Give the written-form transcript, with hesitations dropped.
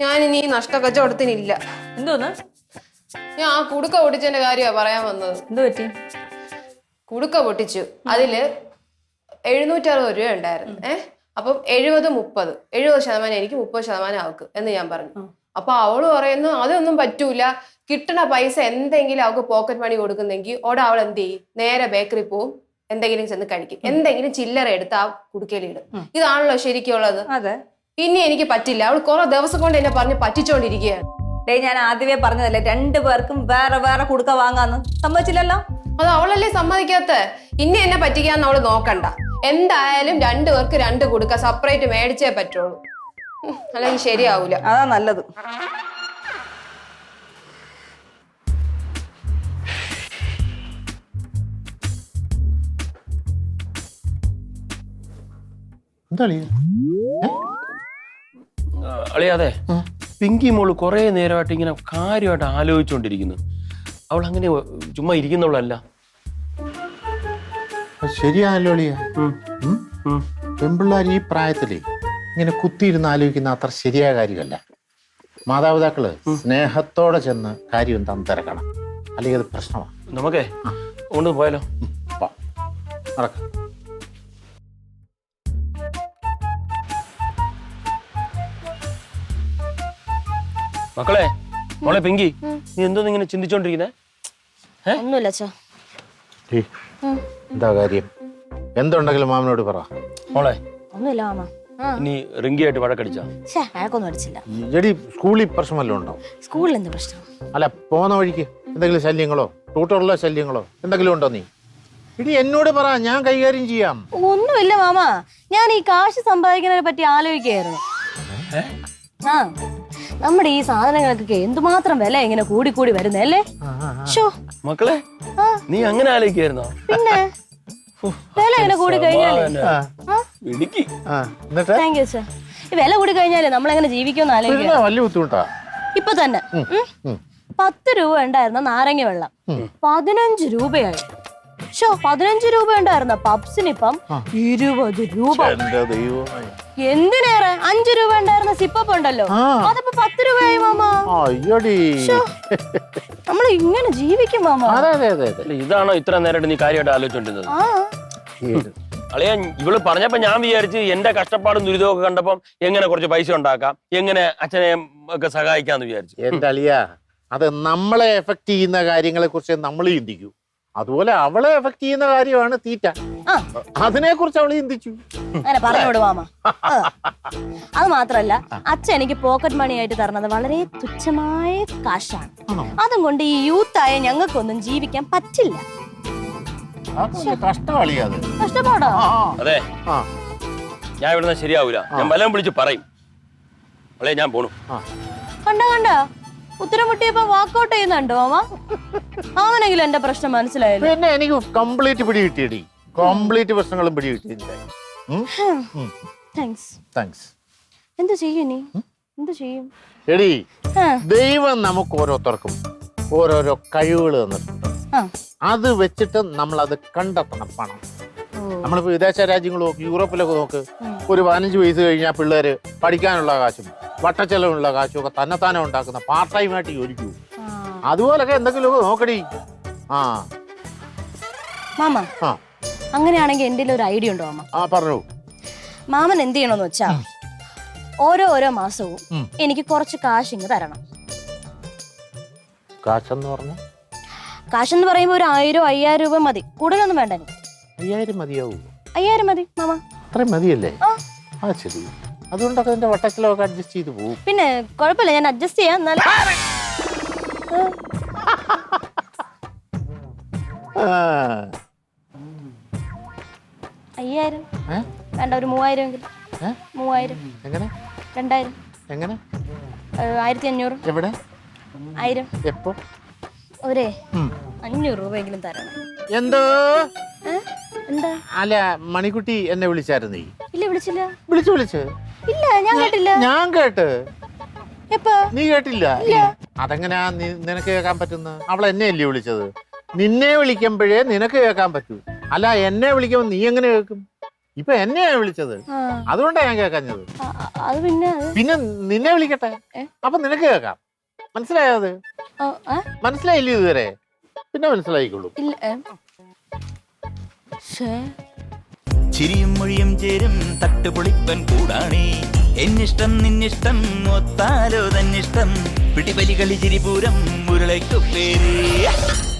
ഞാൻ ഇനി നഷ്ടക്കച്ചവടത്തിനില്ല. എന്തോന്ന്? ഞാൻ ആ കുടുക്ക പൊട്ടിച്ചതിന്റെ കാര്യമാ പറയാൻ വന്നത്. എന്ത് പറ്റി? കുടുക്ക പൊട്ടിച്ചു. അതില് 760 രൂപ ഉണ്ടായിരുന്നു. അപ്പം 70% എനിക്ക് 30% അവക്ക് എന്ന് ഞാൻ പറഞ്ഞു. അപ്പൊ അവള് പറയുന്നു അതൊന്നും പറ്റൂല, കിട്ടണ പൈസ എന്തെങ്കിലും അവൾക്ക് പോക്കറ്റ് മണി കൊടുക്കുന്നെങ്കിൽ ഓടെ അവൾ എന്ത് ചെയ്യും, നേരെ ബേക്കറി പോവും, എന്തെങ്കിലും ചെന്ന് കഴിക്കും, എന്തെങ്കിലും ചില്ലറ എടുത്ത് ആ കുടുക്കയിലിടും. ഇതാണല്ലോ ശരിക്കുള്ളത്. അതെ. ഇനി എനിക്ക് പറ്റില്ല. അവൾ കുറെ ദിവസം കൊണ്ട് എന്നെ പറഞ്ഞ് പറ്റിച്ചോണ്ടിരിക്കുകയാണ്. ഞാൻ ആദ്യമേ പറഞ്ഞതല്ലേ 2 പേർക്കും വേറെ വേറെ കുടുക്ക വാങ്ങാന്ന്. സമ്മതിച്ചില്ലല്ലോ. അത് അവളല്ലേ സമ്മതിക്കാത്ത. ഇനി എന്നെ പറ്റിക്കാന്ന് അവള് നോക്കണ്ട. എന്തായാലും 2 പേർക്ക് 2 കുടുക്ക സെപ്പറേറ്റ് മേടിച്ചേ പറ്റുള്ളൂ. അല്ലെങ്കിൽ ശരിയാവൂല. അതാ നല്ലത്. അളിയാതെ പിങ്കി മോള് കുറെ നേരമായിട്ട് ഇങ്ങനെ കാര്യമായിട്ട് ആലോചിച്ചുകൊണ്ടിരിക്കുന്നു. അവൾ അങ്ങനെ ചുമ്മാ ഇരിക്കുന്നവളല്ല. ശരിയാണല്ലോ അളിയ. പെൺപിള്ളേർ ഈ പ്രായത്തില് ഇങ്ങനെ കുത്തിയിരുന്ന് ആലോചിക്കുന്ന അത്ര ശരിയായ കാര്യമല്ല. മാതാപിതാക്കള് സ്നേഹത്തോടെ ചെന്ന് കാര്യം തിരക്കണം, അല്ലെങ്കിൽ അത് പ്രശ്നമാണ്. നമുക്കേ കൊണ്ട് പോയാലോ? നടക്കാം. മക്കളെ, മോളെ പിങ്കി, നീ എന്തോന്ന് ഇങ്ങനെ ചിന്തിച്ചോണ്ടിരിക്കുന്നേ? ഒന്നുമില്ല. എന്താ കാര്യം? എന്തുണ്ടെങ്കിലും മാമനോട് പറ. മോളെ, ഒന്നുമില്ല മാമ. ഇനി റിങ്കിയായിട്ട് വഴക്കടിച്ചാ? വഴക്കൊന്നും അടിച്ചില്ല. എടി, സ്കൂളിൽ പ്രശ്നമല്ലോ ഉണ്ടോ? സ്കൂളിൽ എന്ത് പ്രശ്നം? അല്ല, പോകുന്ന വഴിക്ക് എന്തെങ്കിലും ശല്യങ്ങളോ ട്യൂട്ടറുള്ള ശല്യങ്ങളോ എന്തെങ്കിലും ഉണ്ടോ? നീ ഇനി എന്നോട് പറ, ഞാൻ കൈകാര്യം ചെയ്യാം. ഒന്നുമില്ല മാമ, ഞാൻ ഈ കാശ് സമ്പാദിക്കുന്നതിനെ പറ്റി ആലോചിക്കുകയായിരുന്നു. ആ, നമ്മുടെ ഈ സാധനങ്ങൾക്കൊക്കെ എന്തുമാത്രം വില ഇങ്ങനെ കൂടി കൂടി വരുന്നല്ലേ. മക്കളെ, നീ അങ്ങനെ ആലോചിക്കായിരുന്നോ? പിന്നെ വില ഇങ്ങനെ കൂടി കഴിഞ്ഞാലേ വില കൂടി കഴിഞ്ഞാലേ നമ്മളെങ്ങനെ ജീവിക്കുമെന്ന് ആലോചിക്കാം. വലിയ ബുദ്ധിമുട്ടാ. ഇപ്പൊ തന്നെ 10 രൂപ ഉണ്ടായിരുന്ന നാരങ്ങ വെള്ളം 15 രൂപയായി. 15 രൂപ ഉണ്ടായിരുന്ന പപ്സിനിപ്പം 20 രൂപ. എന്തിനേറെ 5 രൂപ ഉണ്ടായിരുന്ന സിപ്പപ്പ് ഉണ്ടല്ലോ, അതിപ്പോ 10 രൂപയായി മാമ. നമ്മൾ ഇങ്ങനെ ജീവിക്കും മാമ. ഇതാണോ ഇത്ര നേരമായിട്ട് നീ കാര്യമായിട്ട് ആലോചിച്ചോണ്ടിരുന്നത്? അളിയാ, ഇവള് പറഞ്ഞപ്പോ ഞാൻ വിചാരിച്ച് എന്റെ കഷ്ടപ്പാടും ദുരിതവും ഒക്കെ കണ്ടപ്പം എങ്ങനെ കുറച്ച് പൈസ ഉണ്ടാക്കാം, എങ്ങനെ അച്ഛനെ ഒക്കെ സഹായിക്കാന്ന് വിചാരിച്ചു. എന്റെ അളിയ, അത് നമ്മളെ എഫക്ട് ചെയ്യുന്ന കാര്യങ്ങളെ കുറിച്ച് നമ്മൾ ചിന്തിക്കൂ. അതുപോലെ അവളെ എഫക്ട് ചെയ്യുന്ന കാര്യമാണ് തീറ്റ. അതിനെ കുറിച്ച് അവള് ചിന്തിച്ചു. അങ്ങനെ പറഞ്ഞോട് മാമ. അത് മാത്രല്ല, അച്ഛൻ എനിക്ക് പോക്കറ്റ് മണി ആയിട്ട് തരണത് വളരെ തുച്ഛമായ കാശാണ്. അതും കൊണ്ട് ഈ യൂത്തായ ഞങ്ങൾക്കൊന്നും ജീവിക്കാൻ പറ്റില്ല. കഷ്ടപ്പാടോ? അതെ, ഞാൻ ഇവിടുന്ന് ശരിയാവൂല. ഞാൻ വല്ലതും വിളിച്ച് പറയും. അളേ, ഞാൻ പോണു. കണ്ട ഉത്തരം മുട്ടിയപ്പോ വാക്കൗട്ട് ചെയ്യുന്നുണ്ടോ മാമ? അവനെങ്കിലും എന്റെ പ്രശ്നം മനസ്സിലായല്ലോ. പിന്നെ എനിക്ക് കംപ്ലീറ്റ് പിടി കിട്ടിയടി. കംപ്ലീറ്റ് പ്രശ്നങ്ങളും പിടി കിട്ടിയില്ല. എന്ത് ചെയ്യും നീ? എന്ത് ചെയ്യും? എടി, ദൈവം നമുക്ക് ഓരോരുത്തർക്കും ഓരോരോ കഴിവുകൾ തന്നിട്ടുണ്ട്. അത് വെച്ചിട്ട് നമ്മൾ അത് കണ്ടെത്തണം. പണം നമ്മളിപ്പോ വിദേശ രാജ്യങ്ങൾ നോക്ക്, യൂറോപ്പിലൊക്കെ നോക്ക്, ഒരു 15 വയസ്സ് കഴിഞ്ഞാൽ പിള്ളേര് പഠിക്കാനുള്ള കാശും വട്ടച്ചെലവിനുള്ള കാശും ഒക്കെ തന്നെത്താനെ ഉണ്ടാക്കുന്ന പാർട്ട് ടൈം ആയിട്ട് ജോലിക്കൂ. അതുപോലൊക്കെ എന്തെങ്കിലുമൊക്കെ നോക്കടി. മാമ, അങ്ങനെയാണെങ്കിൽ എന്റെ ഒരു ഐഡിയ ഉണ്ടോ മാമ? പറഞ്ഞു. മാമൻ എന്ത് ചെയ്യണമെന്ന് വെച്ചാ, ഓരോ മാസവും എനിക്ക് കുറച്ച് കാശ് ഇങ്ങ് തരണം. കാശെന്ന് പറയുമ്പോ ഒരു 1000-5000 രൂപ മതി, കൂടുതലൊന്നും വേണ്ട. 5000 മതിയാവൂ? 5000 മതി മാമ. അത്രയും മതിയല്ലേ? ശരി, അതുകൊണ്ടൊക്കെ എന്റെ വട്ടക്കിലൊക്കെ അഡ്ജസ്റ്റ് ചെയ്ത് പോകും. പിന്നെ കുഴപ്പമില്ല, ഞാൻ അഡ്ജസ്റ്റ് ചെയ്യാം. 5000 വേണ്ട, ഒരു 3000 എങ്കിലും. 3000 എങ്ങനെ? 2000 എങ്ങനെ? 1500. എവിടെ? 1000. എപ്പോ? ഒരേ 500 രൂപയെങ്കിലും തരണം. എന്തോ? എന്താ? അല്ല, മണിക്കുട്ടി എന്നെ വിളിച്ചായിരുന്നു. ഇല്ല, വിളിച്ചില്ല. വിളിച്ചു ഇല്ല, ഞാൻ കേട്ടില്ല. ഞാൻ കേട്ട്. എപ്പോ? നീ കേട്ടില്ല? അതെങ്ങനെയാ നിനക്ക് കേൾക്കാൻ പറ്റുന്ന? അവൾ എന്നെ അല്ലേ വിളിച്ചത്? നിന്നെ വിളിക്കുമ്പോഴേ നിനക്ക് കേൾക്കാൻ പറ്റൂ. അല്ല, എന്നെ വിളിക്കുമ്പോ നീ എങ്ങനെ കേൾക്കും? ഇപ്പൊ എന്നെയാ വിളിച്ചത്, അതുകൊണ്ടാ ഞാൻ കേൾക്കാഞ്ഞത്. അത് പിന്നെ പിന്നെ നിന്നെ വിളിക്കട്ടെ, അപ്പൊ നിനക്ക് കേൾക്കാം. മനസ്സിലായോ? അത് മനസ്സിലായില്ലേ ഇതുവരെ? പിന്നെ മനസ്സിലായിക്കോളൂ. ചിരിയും മൊഴിയും ചേരും തട്ടുപൊളിപ്പൻ കൂടാണേ. എന്നിഷ്ടം നിന്നിഷ്ടം ഒത്താലോ തന്നിഷ്ടം പിടിപലി കളി ചിരിപൂരം മുരളയ്ക്കു പേര്.